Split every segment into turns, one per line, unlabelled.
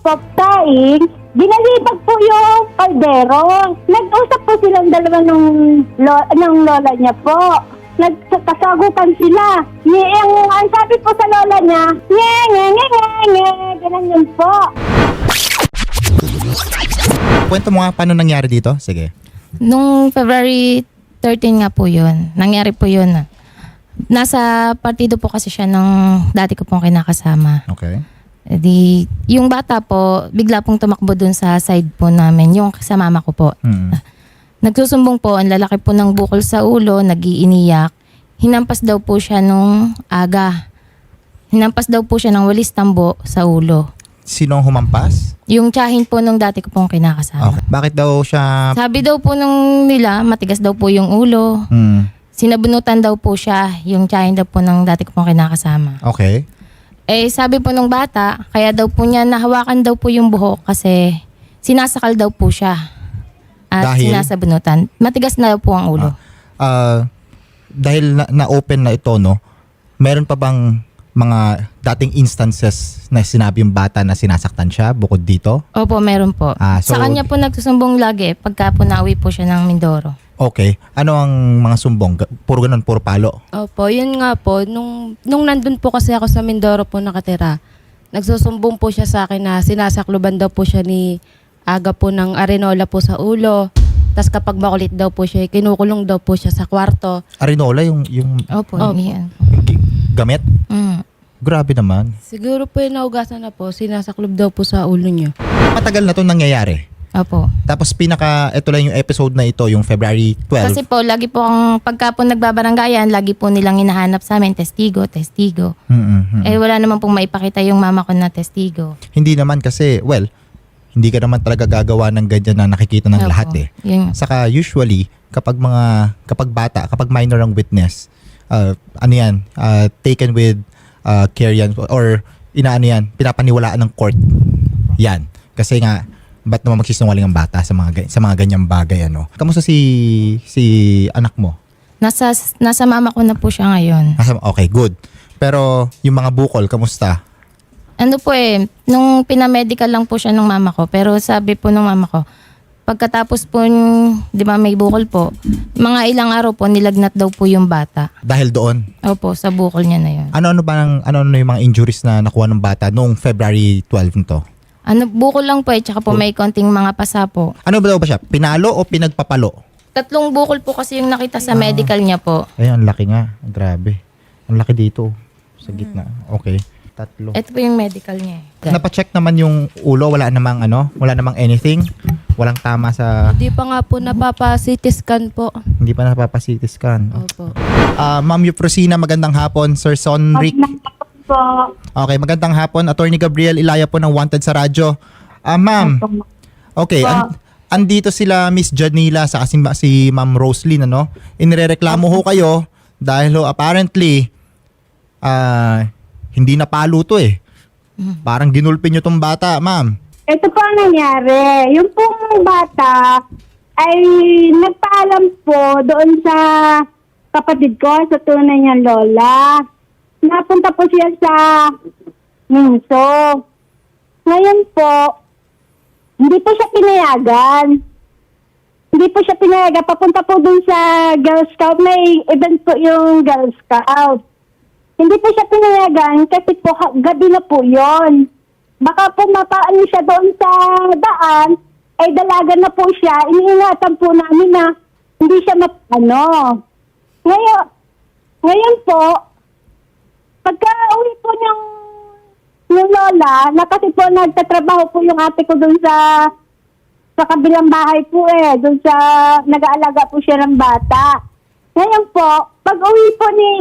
po taing, ginalibag po yung kaldero. Nag-usap po silang dalawa ng lola niya po. Nagkasagutan sila. Ang sabi po sa lola niya, ganun yun po.
Kwento mo nga paano nangyari dito? Sige.
Nung February 13 nga po yun, nangyari po yun. Nasa partido po kasi siya ng dati ko pong kinakasama.
Okay.
Yung bata po, bigla pong tumakbo dun sa side po namin, yung sa mama ko po. Nagsusumbong po, ang lalaki po ng bukol sa ulo, nag-iiniyak. Hinampas daw po siya nung aga. Hinampas daw po siya ng walis tambo sa ulo.
Sinong humampas?
Yung tiyahin po nung dati ko pong kinakasama.
Okay. Bakit daw siya...
Sabi daw po nung nila, matigas daw po yung ulo. Sinabunutan daw po siya, yung tiyahin daw po ng dati ko pong kinakasama.
Okay.
Sabi po nung bata, kaya daw po niya nahawakan daw po yung buhok kasi sinasakal daw po siya. At
Dahil?
sinasabunutan. Matigas na daw po ang ulo.
Dahil na-open na ito, no? Meron pa bang mga dating instances na sinabi yung bata na sinasaktan siya bukod dito?
Opo, meron po.
So,
sa kanya po nagsusumbong lagi pagka po nauwi po siya ng Mindoro.
Okay. Ano ang mga sumbong? Puro ganun, puro palo?
Opo, yun nga po. Nung nandun po kasi ako sa Mindoro po nakatira, nagsusumbong po siya sa akin na sinasakluban daw po siya ni aga po ng arenola po sa ulo. Tapos kapag makulit daw po siya, kinukulong daw po siya sa kwarto.
Arenola, yung
Opo, yan.
gamit? Grabe naman.
Siguro po yung naugasan na po, sinasaklob daw po sa ulo niya.
Matagal na itong nangyayari.
Opo.
Tapos ito lang yung episode na ito, yung February 12.
Kasi po, lagi po pagka po nagbabaranggayan, lagi po nilang hinahanap sa amin, testigo. Wala naman pong maipakita yung mama ko na testigo.
Hindi naman kasi, hindi ka naman talaga gagawa ng ganyan na nakikita ng
Opo.
lahat eh.
Yun.
Saka usually, kapag bata, kapag minor ang witness, taken with care yan, or pinapaniwalaan ng court. Yan. Kasi nga, ba't naman magsisinungaling ang bata sa mga ganyang bagay, ano? Kamusta si anak mo?
Nasa mama ko na po siya ngayon.
Okay, good. Pero yung mga bukol, kamusta?
Nung pinamedical lang po siya nung mama ko, pero sabi po nung mama ko, pagkatapos po, di ba may bukol po, mga ilang araw po nilagnat daw po yung bata.
Dahil doon?
Opo, sa bukol niya na yun.
Ano yung mga injuries na nakuha ng bata noong February 12 nito?
Bukol lang po tsaka po may konting mga pasa po.
Ano ba daw ba siya? Pinalo o pinagpapalo?
3 bukol po kasi yung nakita sa medical niya po.
Ay, ang laki nga. Grabe. Ang laki dito. Sa gitna. Okay. 3.
Ito po yung medical niya.
Napacheck naman yung ulo. Wala namang anything. Walang tama sa...
Hindi pa nga po napapa-CT scan po.
Hindi pa napapa-CT scan.
Opo.
Ma'am Eufrosina, magandang hapon. Sir Sonric. Okay, magandang hapon. Attorney Gabriel Ilaya po ng Wanted sa radyo. Ma'am. Okay, andito sila Miss Janila sa si Ma'am Roslyn, ano? Inirereklamo ho kayo dahil apparently hindi napalo to eh. Parang ginulpin nyo tong bata, ma'am.
Ito po ang nangyari. Yung pong bata ay nagpaalam po doon sa kapatid ko, sa tunay niyang lola. Napunta po siya sa Minso. Ngayon po, hindi po siya pinayagan. Papunta po dun sa Girl Scout. May event po yung Girl Scout. Hindi po siya pinayagan kasi po gabi na po yon. Baka po mapaan siya doon sa daan, ay dalaga na po siya. Iniingatan po namin na hindi siya Ngayon po, pagka uwi po yung lola, na kasi po nagtatrabaho po yung ate ko doon sa kabilang bahay po doon sa nag-aalaga po siya ng bata. Ngayon po, pag uwi po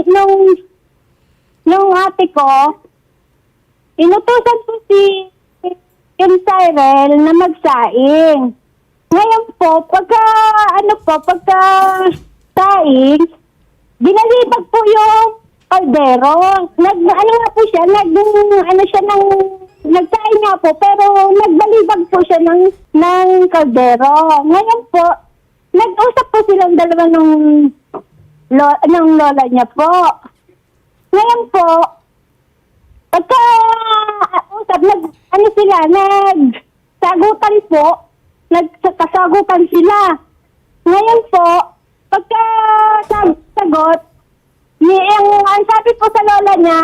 nung ate ko, inutusan po si Cyril na magsaing. Ngayon po, pagka saing, binalibag po yung kaldero. Nagsaing nga po, pero nagbalibag po siya ng kaldero. Ngayon po, nag-usap po silang dalawa ng lola niya po. Ngayon po, pagka nag-uusap, ano sila, nagsagutan po, nagkasagutan sila. Ngayon po, pagka sagot, ang sabi po sa lola niya,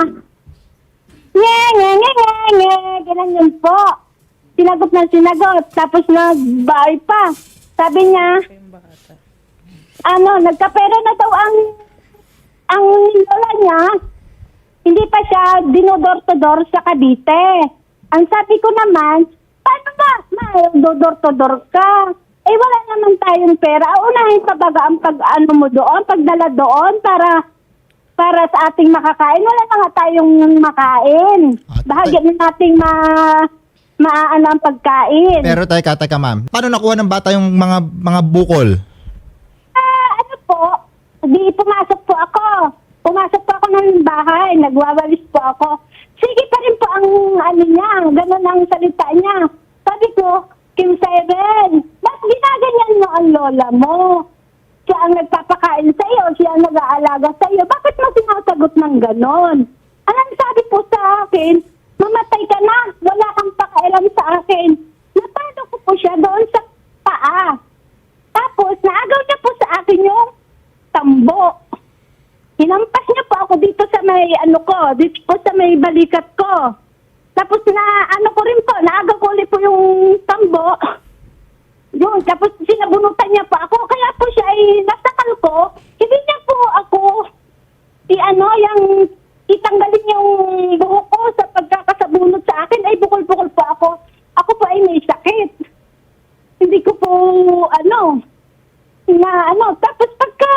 nge, ganun yun po. Sinagot na sinagot, tapos nagbahay pa. Sabi niya, nagkapera na daw ang lola niya, hindi pa siya dinodor-to-dor sa Cavite. Ang sabi ko naman, paano ba? Dodor-to-dor ka. Eh, wala naman tayong pera. Unahin pa baga ang pagdala doon para sa ating makakain. Wala na nga tayong makain. Bahagya na nating maano ang pagkain.
Pero teka ma'am. Paano nakuha ng bata yung mga bukol?
Ano po? Di pumasok po ako. Pumasok po ako ng bahay. Nagwawalis po ako. Sige pa rin po ang niya. Ganun ang salita niya. Sabi ko, Kim Seven, ba't ginaganyan mo ang lola mo? Siya ang nagpapakain sa iyo, siya ang nag-aalaga sa iyo. Bakit mo sinasagot ng ganon? Anong sabi po sa akin, mamatay ka na, wala kang pakailan sa akin. Napalo ko po siya doon sa paa. Tapos, naagaw niya po sa akin yung tambo. Hinampas niya po ako dito sa may dito po sa may balikat ko. Tapos ko rin po, naagaw ko ulit po yung tambo. Yun, tapos sinabunutan niya pa ako. Kaya po siya ay nasakal ko. Hindi niya po ako yung itanggalin yung buhok ko sa pagkakasabunot sa akin. Ay bukol-bukol po ako. Ako po ay may sakit. Hindi ko po tapos pagka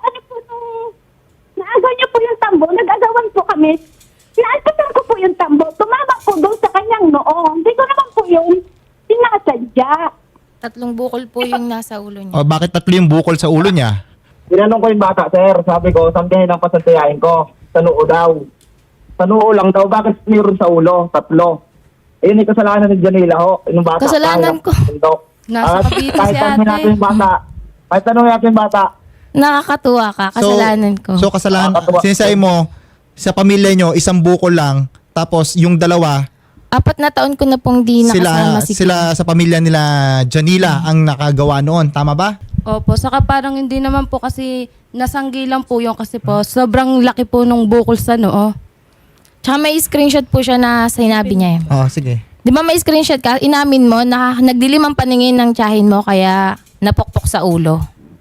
naagaw niya po yung tambo, nag-agawan po kami. Naalpasan ko po yung tambo. Tumama po doon sa kanyang noo. Hindi ko naman po yung sinasadya.
3 bukol po yung nasa ulo niya.
O bakit 3 yung bukol sa ulo niya?
Tinanong ko yung bata, sir. Sabi ko, sambihin ang pasantayain ko. Sa noo daw. Sa noo lang daw. Bakit mayroon sa ulo? 3. Ayun yung kasalanan ni Janila ho. Yung bata.
Kasalanan ko.
Nasa Cavite
kahit
si
tanongin
ate.
natin yung bata. Kahit tanongin natin yung bata.
Nakakatuwa ka, kasalanan ko.
So kasalanan, sinasabi mo, sa pamilya nyo, 1 bukol lang, tapos yung 2,
4 na taon ko na pong di nakasama si
sila sa pamilya nila Janila ang nakagawa noon. Tama ba?
Opo, saka parang hindi naman po kasi nasanggi lang po yung kasi po sobrang laki po nung bukol sa noo.
Tsaka may screenshot po siya na sinabi niya.
Oh, sige.
Di ba may screenshot ka? Inamin mo na nagdilim ang paningin ng tiyahin mo kaya napokpok sa ulo.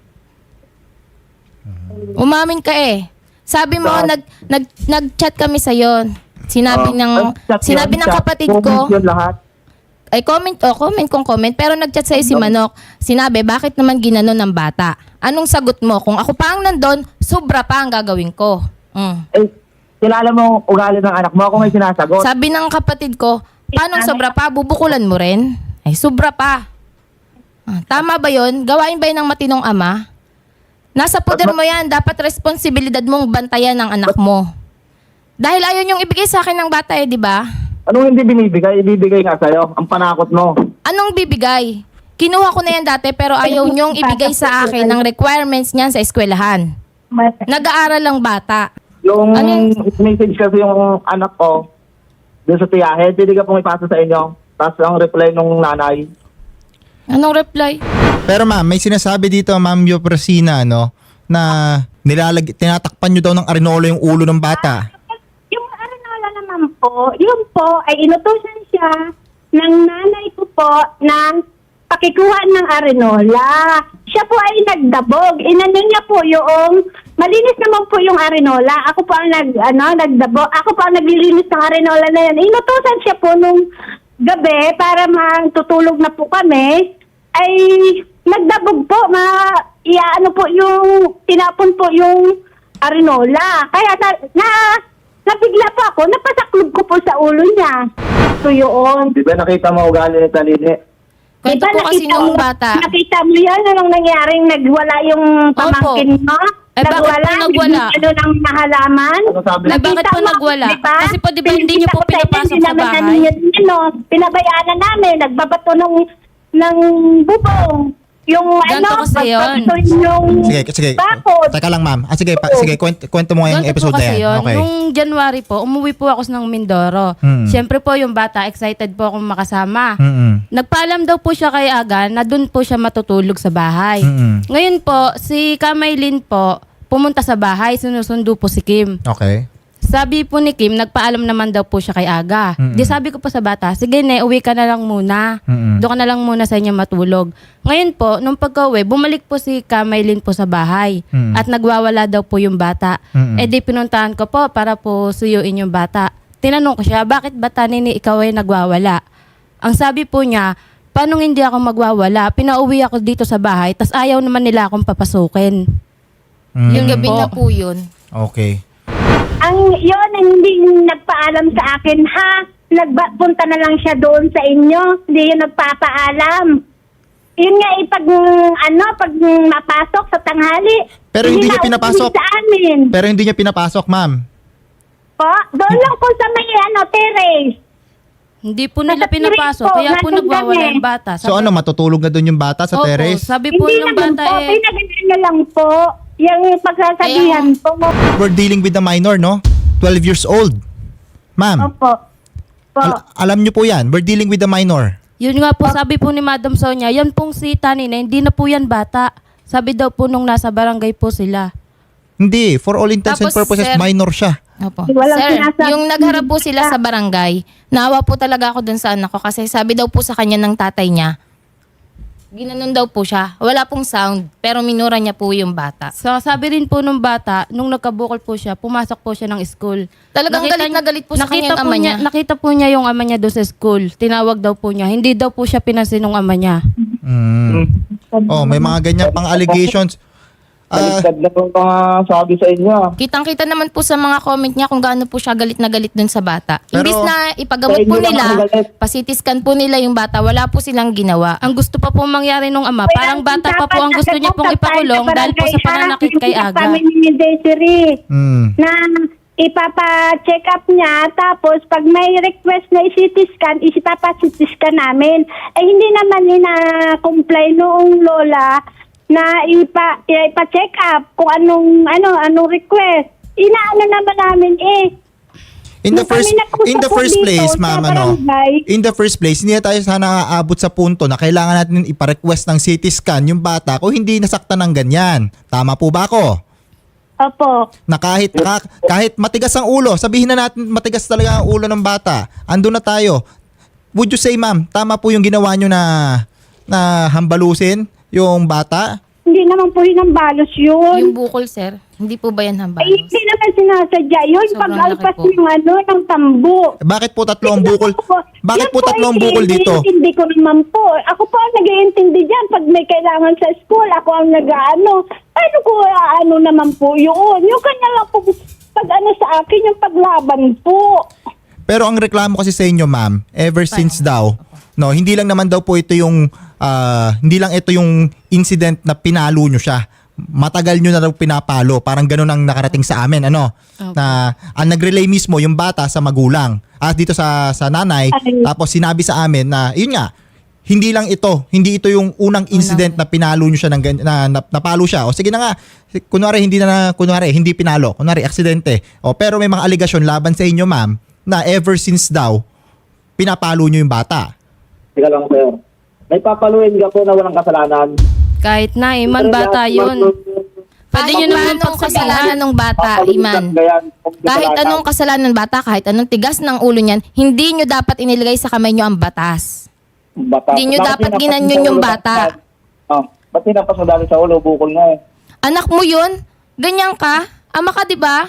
Umamin ka eh. Sabi mo, nag-chat kami sa'yo. Sinabi ng kapatid ko,
Yun lahat.
ay comment kung comment, pero nag-chat sa'yo si Manok. Sinabi, bakit naman ginano ng bata? Anong sagot mo? Kung ako pa ang nandun, sobra pa ang gagawin ko.
Kilala mo ugali ng anak mo. Ako may sinasagot.
Sabi ng kapatid ko, paano sobra pa? Bubukulan mo rin? Ay, sobra pa. Tama ba yun? Gawain ba yun ng matinong ama? Nasa poder mo yan. Dapat responsibilidad mong bantayan ng anak mo. Dahil ayaw niyong ibigay sa akin ng bata di ba?
Anong hindi binibigay? Ibibigay nga sa'yo. Ang panakot mo.
Anong bibigay? Kinuha ko na yan dati pero ayaw niyong ibigay sa akin ng requirements niyan sa eskwelahan. Nag-aaral lang bata.
Yung
Ano
message kasi yung anak ko, doon sa tiyahe, hindi ka pong ipasa sa inyo. Tapos ang reply nung nanay,
Anong reply?
Pero ma'am, may sinasabi dito, Ma'am Yoprosina, na tinatakpan nyo daw ng arinolo yung ulo ng bata.
Yung arenola naman po, yun po ay inutusan siya ng nanay ko po ng pakikuha ng arenola. Siya po ay nagdabog. Inano niya po yung, malinis naman po yung arenola. Ako po ang nagdabog. Ako po ang naglilinis ng arenola na yan. Inutusan siya po nung gabi para magtutulog na po kami, ay nagdabog po, tinapon po yung arenola. Kaya nabigla po ako, napasaklob ko po sa ulo niya. So yun.
di ba nakita mo ugali ni Talini?
Kwento po kasi noong bata.
Nakita mo yun, anong nangyaring nagwala yung pamangkin mo?
Eh, bakit po nagwala?
Ng mahalaman?
Ano sabi?
Eh, bakit po nagwala? Kasi po, di ba, hindi niyo po pinapasok sa bahay?
Pinabayaan na namin, nagbabato ng bubong. yung
Ganito kasi yun.
yung
Sige.
bakod.
Teka lang, ma'am. Sige, kwento mo nga yung
Ganito
episode
po
na
kasi
yan.
yun.
Okay.
Nung January po, umuwi po ako ng Mindoro. Siyempre po yung bata, excited po akong makasama. Nagpaalam daw po siya kay Aga na doon po siya matutulog sa bahay. Ngayon po, si Kamaylin po, pumunta sa bahay, sinusundo po si Kim.
Okay.
Sabi po ni Kim, nagpaalam naman daw po siya kay Aga. Di sabi ko po sa bata, sige ne, uwi ka na lang muna. Doon ka na lang muna sa inyo matulog. Ngayon po, nung pagka-uwi, bumalik po si Kamaylin po sa bahay. At nagwawala daw po yung bata. Eh di pinuntahan ko po para po suyuin yung bata. Tinanong ko siya, bakit ba Nini ikaw ay nagwawala? Ang sabi po niya, paano hindi ako magwawala? Pinauwi ako dito sa bahay, tas ayaw naman nila akong papasukin.
Yung gabi na po yun.
Okay.
Ang yun ang hindi nagpaalam sa akin, ha? Punta na lang siya doon sa inyo. Hindi yun nagpapaalam. Yun nga, pag mapasok sa tanghali.
Pero hindi niya
na
pinapasok.
uuwi sa amin.
Pero hindi niya pinapasok, ma'am.
Po, doon lang po sa may, terrace.
Hindi po nila
Nasa piling
pinapasok,
po,
kaya po
nandun
nagwawala
kami.
yung bata.
So ano, matutulog na doon yung bata sa
Opo,
terrace?
sabi po
Hindi
ng
naman
bata
po,
eh,
pinagandaan na lang po. Yung pagsasabihan po.
We're dealing with a minor, no? 12 years old. Ma'am,
Opo. Po.
alam niyo po yan. We're dealing with a minor.
yun nga po sabi po ni Madam Sonia, yan pong si Tanina, hindi na po yan bata. Sabi daw po nung nasa barangay po sila.
Hindi. For all intents and
Tapos,
purposes,
sir,
minor siya.
Opo.
Walang
Sir,
sinasabi.
yung nagharap po sila sa barangay, naawa po talaga ako dun sa anak ko kasi sabi daw po sa kanya ng tatay niya, ginanon daw po siya. Wala pong sound, pero minura niya po yung bata.
So sabi rin po nung bata, nung nagkabukol po siya, pumasok po siya ng school.
Talagang galit na galit po sa kanya yung ama niya.
Nakita po niya yung ama niya doon sa school. Tinawag daw po niya. Hindi daw po siya pinansin ng ama niya.
Oh, may mga ganyan pang allegations.
Baliktad na po mga sabi sa inyo.
Kitang-kita naman po sa mga comment niya kung gaano po siya galit na galit dun sa bata.
Pero-
Imbis na ipagamot
Sa inyo
po
lang
nila,
ako galit.
pasitiskan po nila yung bata, wala po silang ginawa.
Ang gusto pa po mangyari nung ama, parang bata pa po ang gusto niya pong ipakulong dahil po sa pananakit kay Aga.
Kami ni Desiree na ipapa-check up niya, tapos pag may request na i-CT scan, ipapa-CT scan namin. Eh hindi naman ina-comply noong lola na ipa-check up kung anong request. Inaano naman namin
In the
Nung
first
kami nagpunta
in the
po
first
dito
place,
sa
ma'am,
barangay.
in the first place, hindi na tayo sana aabot sa punto na kailangan natin ipa-request ng CT scan yung bata kung hindi nasaktan ng ganyan. Tama po ba ako?
Opo.
Na kahit matigas ang ulo, sabihin na natin matigas talaga ang ulo ng bata. Andun na tayo. Would you say, ma'am, tama po yung ginawa nyo na hambalusin yung bata?
Hindi naman po hinambalos yun.
Yung bukol, sir, hindi po ba yan
Ay,
hambalos?
hindi naman sinasadya yun.
Sobrang
Pag-alpas
laki po.
ng tambo.
Bakit po tatlo ang bukol? Bakit po tatlo ang bukol dito?
Hindi ko naman po. Ako po ang nag-iintindi dyan. Pag may kailangan sa school, ako ang nag-ano. Ano ko naman po yun? Yung kanya lang po, pag sa akin, yung paglaban po.
Pero ang reklamo kasi sa inyo, ma'am, ever since daw, no, hindi lang naman daw po ito yung hindi lang ito yung incident na pinalo nyo siya. Matagal nyo na daw pinapalo. Parang ganun ang nakarating sa amin, ano? Na ang nag-relay mismo yung bata sa magulang. At dito sa nanay,
Ay.
tapos sinabi sa amin na, yun nga, hindi ito yung unang incident na pinalo nyo siya na napalo siya. O sige na nga, kunwari hindi pinalo, kunwari aksidente. O pero may mga aligasyon laban sa inyo, ma'am, na ever since daw pinapalo nyo yung bata.
Sige lang, sir. May papaluin ka po na walang kasalanan.
Kahit na, Iman, bata yun. Pwede nyo naman
anong kasalanan ng bata,
Papaluin
Iman?
ka yan.
Kahit anong kasalanan ng bata, kahit anong tigas ng ulo niyan, hindi nyo dapat inilagay sa kamay nyo ang batas.
Bata.
Hindi nyo
Bakit
dapat
tinampas
ginanyon
mo sa
yung
ulo?
bata.
Ba't tinampas mo dali sa ulo? Bukol nga eh.
Anak mo yun? Ganyan ka? Ama ka, di ba?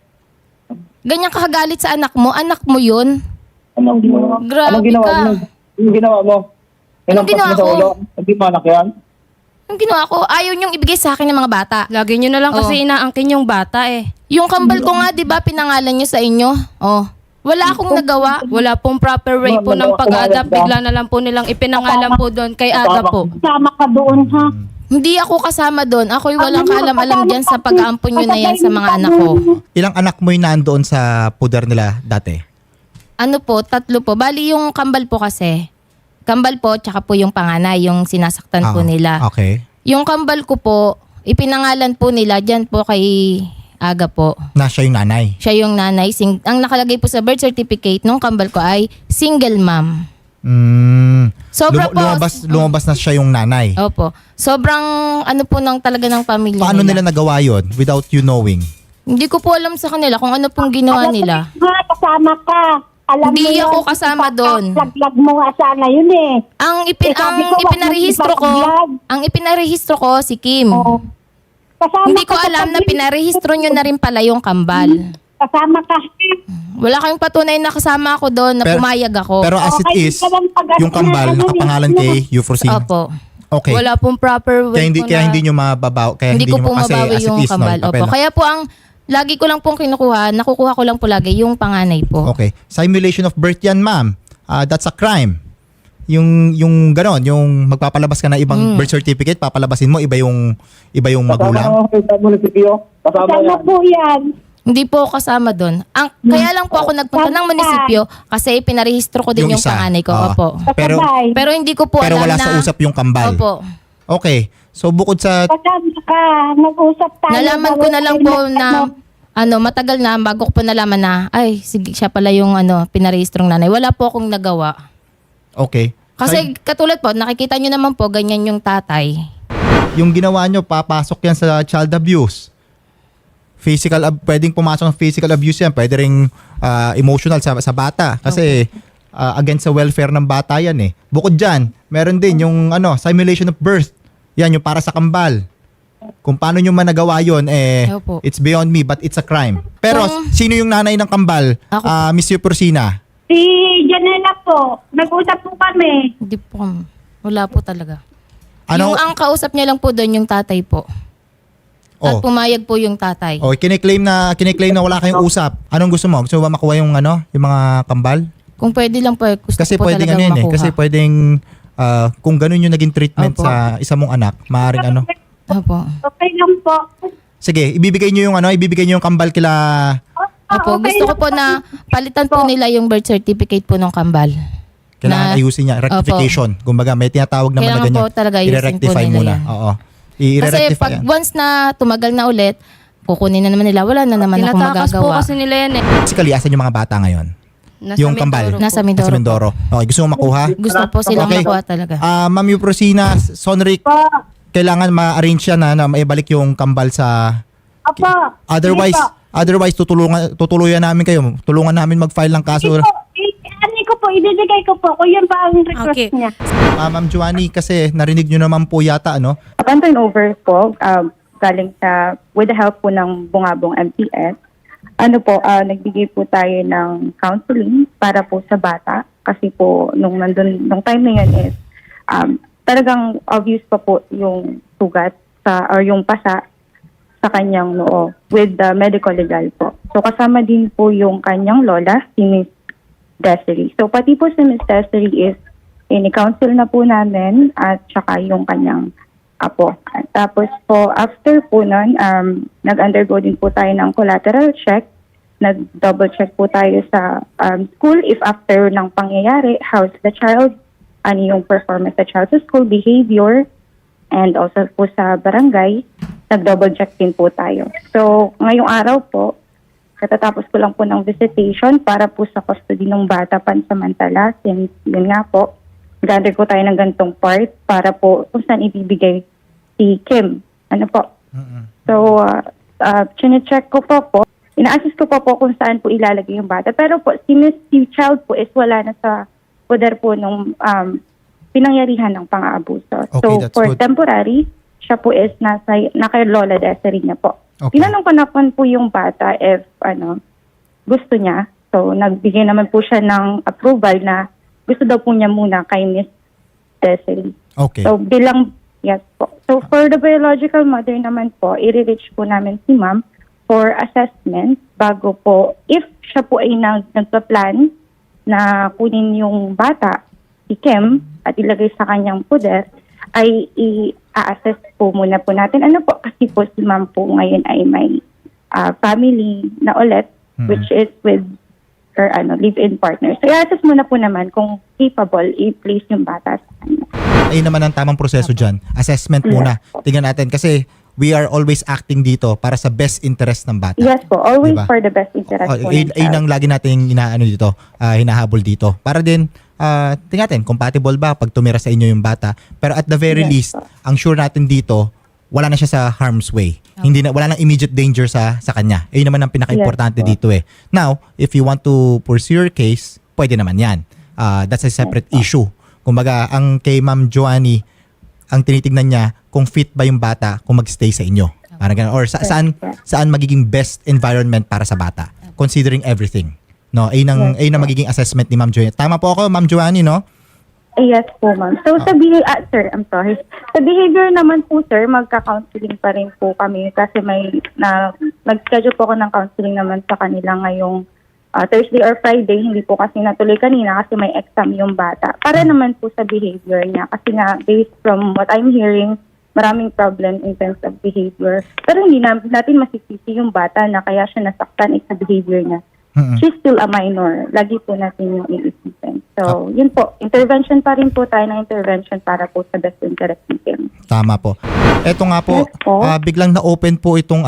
Ganyan ka kagalit sa anak mo yun?
Anong ginawa?
Grabe
Anong ginawa
ka.
mo? Anong ginawa mo? Tinampas
ginawa
mo sa
ko?
ulo? Hindi mo anak yan?
Yung ginawa ko, ayaw nyong ibigay sa akin ng mga bata.
Lagi nyo na lang kasi inaangkin yung bata eh.
Yung kambal ko nga, di ba, pinangalan nyo sa inyo? Oh. Wala akong nagawa.
Wala pong proper way po ng pag-adapt. Bigla na lang po nilang ipinangalan po doon kay Aga po.
Sama ka doon, ha?
Hindi ako kasama doon. Ako'y walang kaalam-alam dyan sa pag-aampon nyo na yan sa mga anak ko.
Ilang anak mo yung nandoon sa puder nila dati?
Ano po, 3 po. Bali yung kambal po kasi, kambal po, tsaka po yung panganay, yung sinasaktan po nila.
Okay.
Yung kambal ko po, ipinangalan po nila dyan po kay Aga po.
Na siya yung nanay.
Siya yung nanay. Ang nakalagay po sa birth certificate nung kambal ko ay single mom. Sobra po.
Lumabas na siya yung nanay.
Opo. Sobrang ano po ng talaga ng pamilya
Paano nila nagawa yun without you knowing?
Hindi ko po alam sa kanila kung ano pong ginawa nila.
Kasama ka. Alam
Hindi
mo
ako
yun,
kasama doon.
Laglag mo nga sana yun eh.
Ang
sabi ko, wag mo
ipinarehistro ko,
ipapag-vlog.
ang ipinarehistro ko si Kim.
Oh. Kasama
Hindi ko
ka sa
alam na
pamilya.
pinarehistro nyo na rin pala yung kambal.
Kasama ka.
Wala kayong patunay na kasama ako doon, na pumayag ako.
Pero as it
Okay,
is,
ka lang pag-
yung kambal
ano,
nakapangalan kay Euphrosyne.
Opo.
Okay.
Wala pong proper way
Kaya hindi nyo mababaw. Kaya
Hindi ko
nyo
po
kasi
mabawi
as it
yung
is,
kambal.
no,
Opo. Kaya po ang lagi ko lang pong nakukuha ko lang po lagi yung panganay po.
Okay. Simulation of birth yan, ma'am. That's a crime. Yung ganon, yung magpapalabas ka na ibang birth certificate, papalabasin mo, iba yung magulang.
Kasama sa munisipyo. Kasama
Kasama
yan.
po yan.
Hindi po ako kasama doon. Kaya lang po ako nagpunta ng munisipyo kasi pinarehistro ko din yung
isa.
panganay ko.
Oo.
Opo.
Pero,
Kasabay.
Pero hindi ko po
pero
alam
wala
na...
sa usap yung kambal.
Opo.
Okay. So bukod sa
Kasama ka. Nag-usap tayo.
Nalaman ko na lang po na matagal na bago ko po nalaman na ay sige siya pala yung pinarehistrong nanay. Wala po akong nagawa.
okay.
Kasi katulad po, nakikita nyo naman po ganyan yung tatay.
Yung ginawa nyo, papasok yan sa child abuse. Pwedeng pumasok ng physical abuse yan. Pwede ring emotional sa bata. Kasi against sa welfare ng bata yan eh. Bukod dyan, meron din yung simulation of birth. Yan, yung para sa kambal. Kung paano nyo man nagawa yun,
Opo.
it's beyond me, but it's a crime. Pero
Kung-
sino yung nanay ng kambal?
Ako.
Miss Euphrosyne?
Si Janela po. Nag-usap po kami.
Hindi po. Wala po talaga.
Ano?
Yung ang kausap niya lang po doon yung tatay po. At
Oh.
pumayag po yung tatay.
Oh, kiniklaim na wala kayong usap. Anong gusto mo? Gusto mo ba makuha yung yung mga kambal?
Kung pwede lang po, gusto
Kasi
ko po
pwedeng
talagang makuha.
Kasi pwedeng kung ganun yung naging treatment
Opo.
sa isa mong anak, maaaring
Opo.
Okay lang po.
Sige, ibibigay niyo yung kambal kila
Opo.
okay
Gusto ko
lang
po na palitan po nila yung birth certificate po ng kambal.
kailangan ayusin niya, rectification. Kumbaga may tinatawag naman na
Kailangan
ganyan.
po talaga ayusin po
I-rectify
nila
muna.
yan.
Oo.
Kasi
I-rectify
pag
yan.
once na tumagal na ulit, kukunin na naman nila. Wala na naman akong
Tinatakas po
magagawa.
kasi nila yan eh.
Basically, asan yung mga bata ngayon?
Nasa
Yung
Mindoro
kambal.
po.
Nasa
Sa
Mindoro.
Mindoro. Okay, gusto mo makuha?
Gusto po silang
Okay.
makuha talaga.
Ma'am Euphrosyne, Sonric,
Po.
kailangan ma-arrange yan na maibalik yung kambal sa...
Opo.
Otherwise, tutuluyan namin kayo. Tulungan namin mag-file ng kaso.
Ibibigay ko po. Kung yun pa ang request
Okay.
niya.
Ma'am Joanny, kasi narinig nyo naman po yata,
Upon turnover po, galing with the help po ng Bungabong MTS, nagbigay po tayo ng counseling para po sa bata. Kasi po, nung time na yun is, talagang obvious pa po yung sugat or yung pasa sa kanyang noo with the medical legal po. So kasama din po yung kanyang lola, si Miss Desiree. So pati po si Miss Desiree is ini-counsel na po namin at saka yung kanyang apo. At tapos po, after po nun, nag-undergo din po tayo ng collateral check. Nag-double check po tayo sa school if after ng pangyayari, how's the child, ano yung performance sa child sa school, behavior, and also po sa barangay, nag-double check din po tayo. So, ngayong araw po, katatapos ko lang po ng visitation para po sa custody ng bata pansamantala, since yun nga po, gather ko tayo ng gantong part para po kung saan ibibigay si Kim. Ano po? So, chine-check ko po, ina-assist ko po kung saan po ilalagay yung bata. Pero po, si child po is wala na sa poder po nung pinangyarihan ng pang-aabuso.
Okay,
So,
that's
for
good.
temporary, siya po is naka Lola Desiree niya po.
Okay.
Tinanong ko na po yung bata if gusto niya. So, nagbigay naman po siya ng approval na gusto daw po niya muna kay Miss Desiree.
Okay.
So, yes po. So, for the biological mother naman po, i-reach po namin si ma'am for assessment bago po, if siya po ay nagpa-plan na kunin yung bata, si Kim, at ilagay sa kanyang poder, ay i-assess po muna po natin. Ano po, kasi po si ma'am po ngayon ay may family na ulit, which is with or live-in partner. So, i-assess muna po naman kung capable i-place yung bata sa kanya.
Ayun naman ang tamang proseso dyan. Assessment muna. Tingnan natin kasi we are always acting dito para sa best interest ng bata.
Yes po, always
Diba?
for the best interest po ng
Ayun
child.
ang lagi nating hinahabol dito. Para din, tingnan natin, compatible ba pag tumira sa inyo yung bata. Pero at the very
Yes
least,
po.
ang sure natin dito, wala na siya sa harm's way. Wala nang immediate danger sa kanya. Ayun naman ang pinaka-importante
Yes po.
dito eh. Now, if you want to pursue your case, pwede naman yan. That's a separate issue. Kumbaga, ang kay Ma'am Joanny, ang tinitignan niya kung fit ba yung bata kung magstay sa inyo. Parang ganun. Or saan magiging best environment para sa bata. Considering everything. No, ayun ang magiging assessment ni Ma'am Joanny. Tama po ako, Ma'am Joanny, no?
Yes po, ma'am. So, sa sir, I'm sorry. Sa behavior naman po, sir, magka-counseling pa rin po kami kasi nag-schedule po ako ng counseling naman sa kanila ngayong Thursday or Friday. Hindi po kasi natuloy kanina kasi may exam yung bata. Para naman po sa behavior niya kasi nga, based from what I'm hearing, maraming problem in terms of behavior. Pero hindi natin masisisi yung bata na kaya siya nasaktan sa behavior niya. She's still a minor. Lagi po natin yung iisipin. So, yun po. Intervention pa rin po tayo ng intervention para po sa best interest natin.
Tama po. Eto nga po,
Yes po.
biglang na-open po itong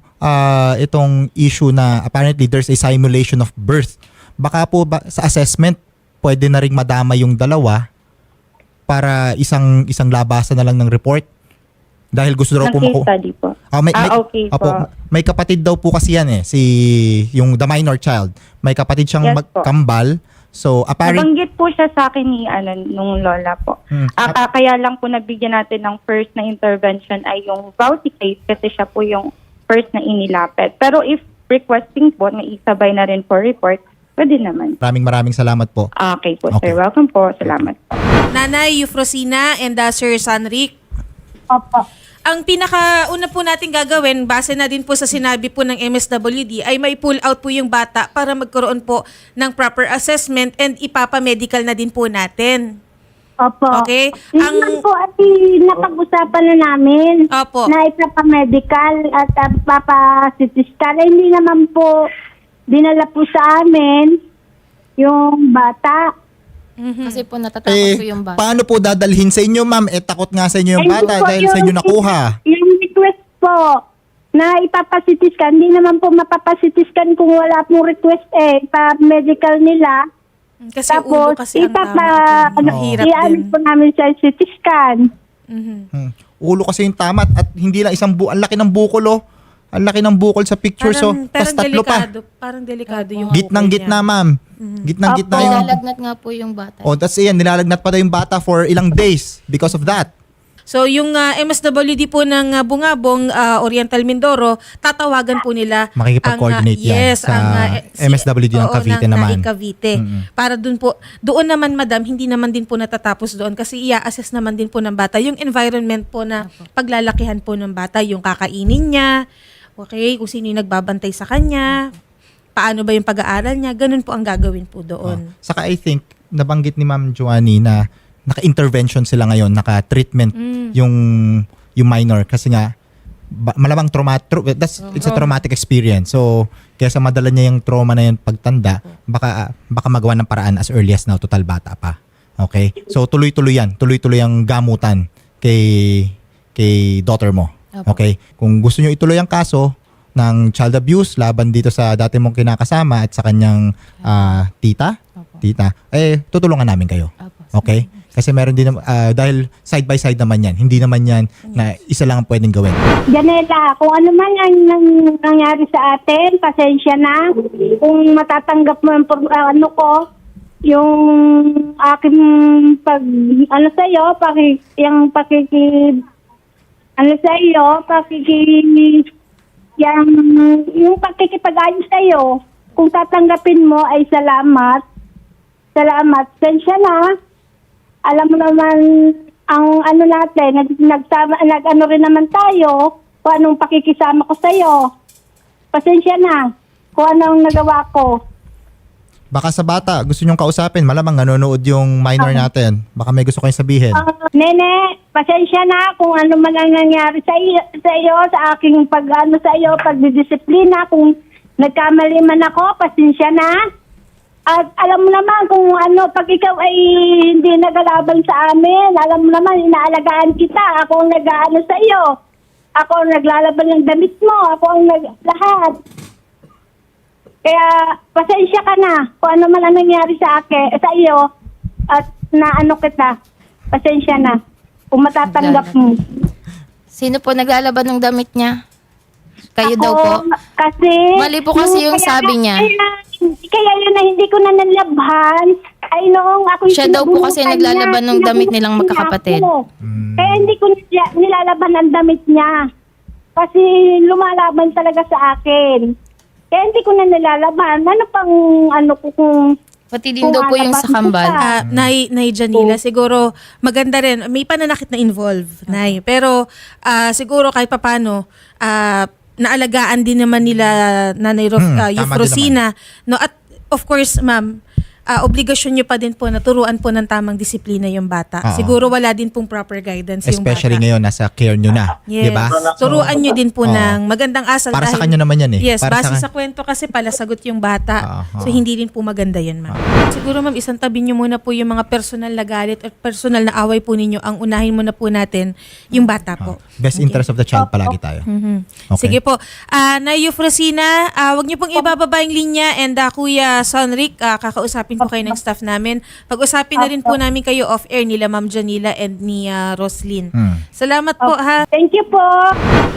itong issue na apparently there's a simulation of birth. Baka po sa assessment, pwede na ring madama yung dalawa para isang labasan na lang ng report. Dahil gusto daw
Ng
po
case study po. Okay po.
May kapatid daw po kasi yan yung the minor child. May kapatid siyang
Yes po.
magkambal. So apparently
Nabanggit po siya sa akin ni nung lola po. Kaya lang po nabigyan natin ng first na intervention ay yung Vauci case kasi siya po yung first na inilapit. Pero if requesting po na isabay na rin for report, pwede naman.
maraming salamat po.
Okay po,
Okay.
sir. Welcome po. Salamat po.
Nanay Eufrosina and Sir Sanric,
Opo.
ang pinakauna po natin gagawin, base na din po sa sinabi po ng MSWD, ay may pull out po yung bata para magkaroon po ng proper assessment and ipapamedical na din po natin.
Opo.
Okay?
Ang po ay napag-usapan na namin
Opo.
na ipapa-medical at papa-CT-scan. Hindi naman po dinala po sa amin yung bata.
Kasi po natatakot po yung bata.
Paano po dadalhin sa inyo, ma'am? Takot nga sa inyo yung
Hindi
bata
po
dahil sa inyo nakuha.
Yung request po na ipapa-CT-scan, hindi naman po mapapa-CT-scan kung wala pong request pa-medical nila.
Kasi ulo
Tapos,
kasi ang mahirap
i-ano
din.
po namin sa CT-scan.
Ulo kasi yung tamat at hindi lang ang laki ng bukol, oh. Ang laki ng bukol sa picture, so tas tatlo pa.
Parang delikado yung
Gitnang-gitna, ma'am. Gitnang-gitna
Opo.
yung...
Nilalagnat nga po yung bata.
Oh, that's yan. Nilalagnat pa daw yung bata for ilang days because of that.
So yung MSWD po ng Bungabong, Oriental Mindoro, tatawagan po nila
Makikipag-coordinate yan sa MSWD ng Cavite naman.
Cavite. Para doon naman madam, hindi naman din po natatapos doon kasi i-assess naman din po ng bata yung environment po na paglalakihan po ng bata, yung kakainin niya, okay, kung sino yung nagbabantay sa kanya, paano ba yung pag-aaral niya, ganun po ang gagawin po doon.
Saka I think, nabanggit ni Ma'am Joanny na naka-intervention sila ngayon, naka-treatment yung minor kasi nga malamang it's a traumatic experience. So, kaya sa madala niya yung trauma na yun pagtanda, baka magawa ng paraan as early as now, total bata pa. Okay? So, tuloy-tuloy yan. Tuloy-tuloy ang gamutan kay daughter mo. Okay? Kung gusto nyo ituloy ang kaso ng child abuse laban dito sa dati mong kinakasama at sa kanyang tita, tutulungan namin kayo. Okay? Kasi meron din dahil side by side naman yan. Hindi naman yan na isa lang ang pwedeng gawin.
Janela, kung ano man ang nangyari sa atin, pasensya na. Kung matatanggap mo yung aking yung pakikipag-ayos sa'yo, kung tatanggapin mo ay salamat. Salamat. Pasensya na. Alam mo naman ang natin, nag-ano rin naman tayo kung anong pakikisama ko sa'yo. Pasensya na kung anong nagawa ko.
Baka sa bata, gusto nyong kausapin, malamang nanonood yung minor natin. Baka may gusto kayong sabihin.
Nene, pasensya na kung ano man ang nangyari sa iyo, sa aking pagdidisiplina. Kung nagkamali man ako, pasensya na. At alam mo naman kung ano, pag ikaw ay hindi nagalaban sa amin, alam mo naman, inaalagaan kita. Ako ang nag-aano sa iyo. Ako ang naglalaban ng damit mo. Ako ang lahat. Kaya, pasensya ka na kung ano man ang nangyari sa akin, sa iyo. At naano kita. Pasensya na. Kung matatanggap mo.
Sino po naglalaban ng damit niya? Kayo daw po?
Kasi...
Mali po kasi yung sabi niya.
Kaya yun na hindi ko na nalabhan. Ay noong ako
Siya daw po kasi naglalaban ng damit nilang magkakapatid.
Kaya hindi ko nilalaban ang damit niya. Kasi lumalaban talaga sa akin. Kaya hindi ko na nilalaban. Ano pang ano ko kung...
Pati din daw po yung sa kambal.
Nay Janila, siguro maganda rin. May pananakit na involve, Nay. Pero siguro kahit papano, naalagaan din naman nila Nanay
tama
Eufrosina. No? At of course, ma'am, obligasyon nyo pa din po na turuan po ng tamang disiplina yung bata.
Oo.
Siguro wala din pong proper guidance yung bata.
Especially ngayon, nasa care nyo na.
Yes.
Diba?
Turuan nyo din po
Oo.
ng magandang asal.
Para sa
dahil-
kanya naman yan eh.
Yes,
Para
base
sa-
sa kwento kasi pala sagot yung bata.
Oo.
So hindi rin po maganda yan, ma'am. Siguro ma'am, isang tabi nyo muna po yung mga personal na galit at personal na away po ninyo. Ang unahin muna po natin yung bata po.
Best interest of the child palagi tayo. Okay.
Sige po. Na Eufrosina, wag niyo pong ibababa yung linya and Kuya Sonric, kakausapin po kayo ng staff namin. Pag-usapin na rin po namin kayo off-air nila Ma'am Janila and ni Roslyn. Salamat po ha.
Thank you po.